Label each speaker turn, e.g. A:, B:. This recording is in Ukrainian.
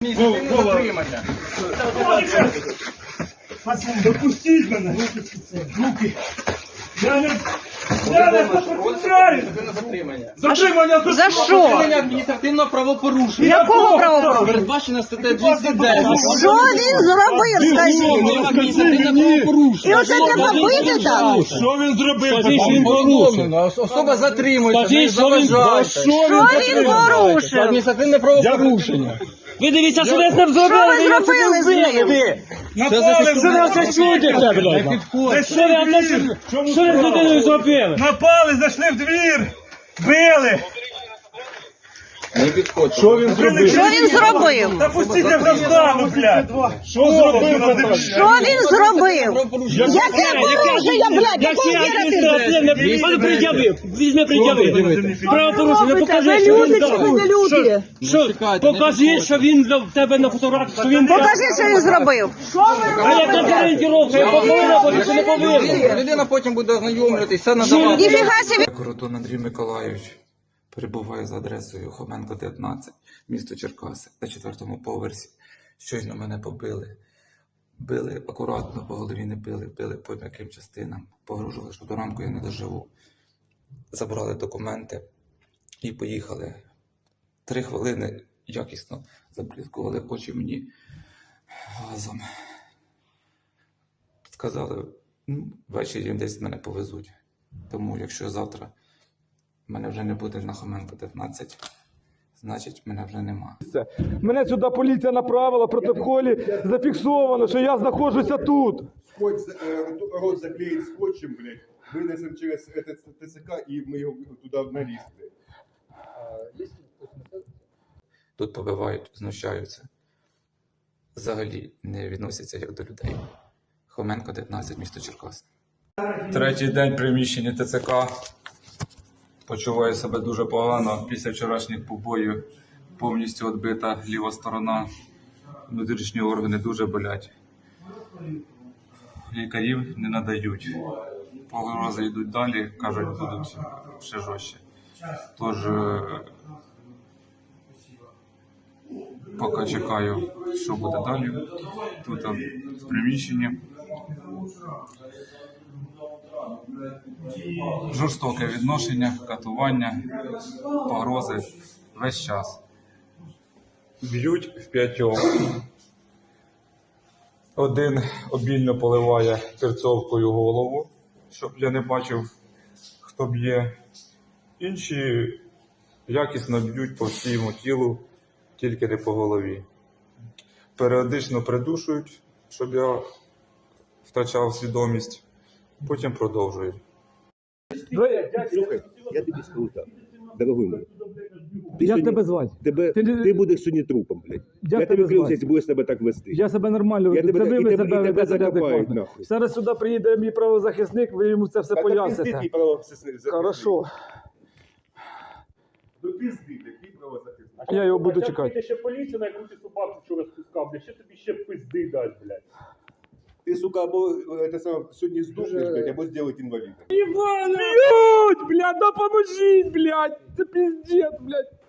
A: Затримання.
B: Допустіть мене! Руки! Я не
A: Затримання.
B: Затримання
C: За що?
A: Затримання адміністративного правопорушення.
C: Якого правопорушення?
A: Передбачено статтею 209.
C: Що він зробив, скажіть?
A: Адміністративне правопорушення.
C: І оце треба бити так?
B: Що він зробив?
A: Повідомлено. Особа затримується, не заважайте.
C: Що він порушив?
A: Адміністративне правопорушення.
D: Ви дивіться, що ви з ним
C: Що
D: зробили?
C: ви зробили з ним?
B: Напали
D: Що ви це чудите, блядь? Що ви з людиною зробили?
B: Напали, зайшли в двір! Били!
A: Не підходь.
B: Що він зробив?
C: Що він зробив?
B: Та пустіть я застану, блядь! Що зробив?
C: Що він зробив? Яке порушення, блядь? Якого вірити?
D: Пане пред'явив, візьми пред'явив. Правопорушення, покажи, що він дав. Що, покажи, що він в тебе на фотографії, що він дав.
C: Покажи, що він зробив.
D: А яка орієнтировка, я повинна бути, чи не повинна?
A: Людина потім буде ознайомлюватися, все надавати.
C: Ніфіга собі.
E: Коротун Андрій Миколайович перебуває за адресою Хоменко, 19, місто Черкаси, на 4-му поверсі. Щойно мене побили. Били акуратно, по голові не били, били по м'яким частинам. Погрожували, що до ранку я не доживу. Забрали документи і поїхали. 3 хвилини якісно заблискували очі мені газом. Сказали, ввечері десь мене повезуть. Тому якщо завтра мене вже не буде на Хоменко 19, значить мене вже нема.
F: Мене сюди поліція направила, в протоколі зафіксовано, що я знаходжуся тут.
G: Рот заклеить скотчем, блядь, вынесем через этот ТЦК и мы его туда нарезали.
E: Тут побивають, знущаються. Взагалі не відносяться як до людей. Хоменко 19, місто Черкас. Третій день приміщення ТЦК. Почуваю себе дуже погано. Після вчорашніх побоїв повністю відбита ліва сторона. Внутрішні органи дуже болять. Лікарів не надають. Погрози йдуть далі, кажуть, будуть ще жорстче. Тож, поки чекаю, що буде далі. Тут в приміщенні. Жорстоке відношення, катування, погрози весь час. Б'ють в 5. Один обільно поливає терцовкою голову, щоб я не бачив, хто б'є. Інші якісно б'ють по всьому тілу, тільки не по голові. Періодично придушують, щоб я втрачав свідомість, потім продовжують.
H: Слухай, я тобі скажу так, дорогой мой.
F: Як тебе звати?
H: Ти будеш сьогодні трупом, блядь. Я тобі клянусь, якщо будеш себе так вести.
F: Я себе нормально веду. Це ви себе ведете неадекватно. Зараз сюди приїде мій правозахисник, ви йому це все поясните. Хорошо.
G: До пизди, блядь, ти правозахисник.
F: Я його буду чекати.
B: Ще поліція, на яку ти собаку вчора спускав, блядь, ще тобі ще пизди дасть, блядь.
G: Ти, сука, або сьогодні здохнеш, блядь, або зробити інвалідом.
F: Іван, блядь, допоможіть, блядь, це пиздец, блядь.